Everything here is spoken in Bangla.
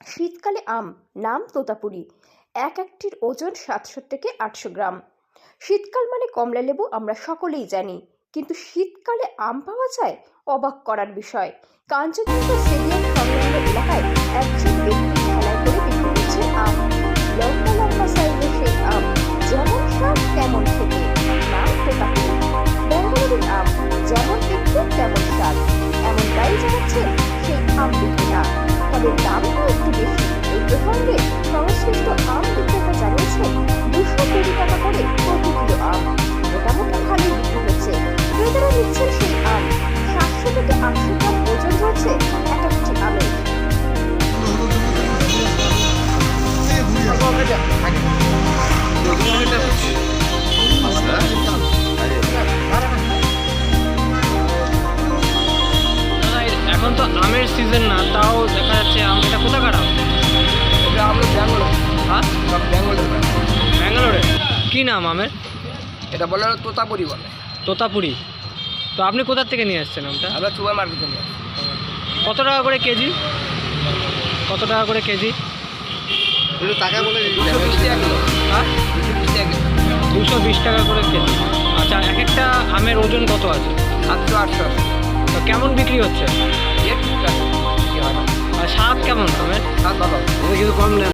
শীতকালে আম, নাম তোতাপুরি। একটির ওজন ৭০০ থেকে ৮০০ গ্রাম। শীতকাল মানে কমলা লেবু আমরা সকলেই জানি, কিন্তু শীতকালে আম পাওয়া যায়, অবাক করার বিষয়। কাঞ্চনজঙ্ঘা স্টেডিয়াম সংলগ্ন এলাকায় একজন ব্যক্তি ঠেলায় করে বিক্রি করছেন আম। লম্বা লম্বা সাইজের সেই আম, যেমন স্বাদ তেমন খেতে, নাম তোতাপুরি। ব্যাঙ্গালোরের আম, যেমন দেখতে তেমন স্বাদ, এমনটাই জানাচ্ছেন সেই আম বিক্রেতা। তবে দামটা একটু বেশি। এই প্রসঙ্গে সংশ্লিষ্ট আম বিক্রেতা জানিয়েছেন 220 টাকা করে প্রতি কিলো আম। মোটামুটি ভালোই বিক্রি হচ্ছে। ক্রেতারা নিচ্ছেন সেই আম। 700 থেকে 800 গ্রাম ওজন রয়েছে এক একটি আমের। এখন তো আমের সিজন না, তাও দেখা যাচ্ছে আম। এটা কোথাকার আম? এটা আমরা ব্যাঙ্গালোর। হ্যাঁ, সব ব্যাঙ্গালোর। ব্যাঙ্গালোরে। কী নাম আমের? এটা বলে তোতাপুরি বলে। তোতাপুরি। তো আপনি কোথা থেকে নিয়ে এসছেন আমটা? আমরা সুপার মার্কেটে নিয়ে কত টাকা করে কেজি? কত টাকা করে কেজি? একটু টাকা বলে 220 টাকা কিলো। হ্যাঁ, 220 টাকা কিলো। 220 টাকা করে কেজি। আচ্ছা, এক একটা আমের ওজন কত আছে? 700-800। তো কেমন বিক্রি হচ্ছে? এর টুকটাক কি হয় না। আর স্বাদ কেমন আমের? স্বাদ ভালো। কিন্তু কম নেন।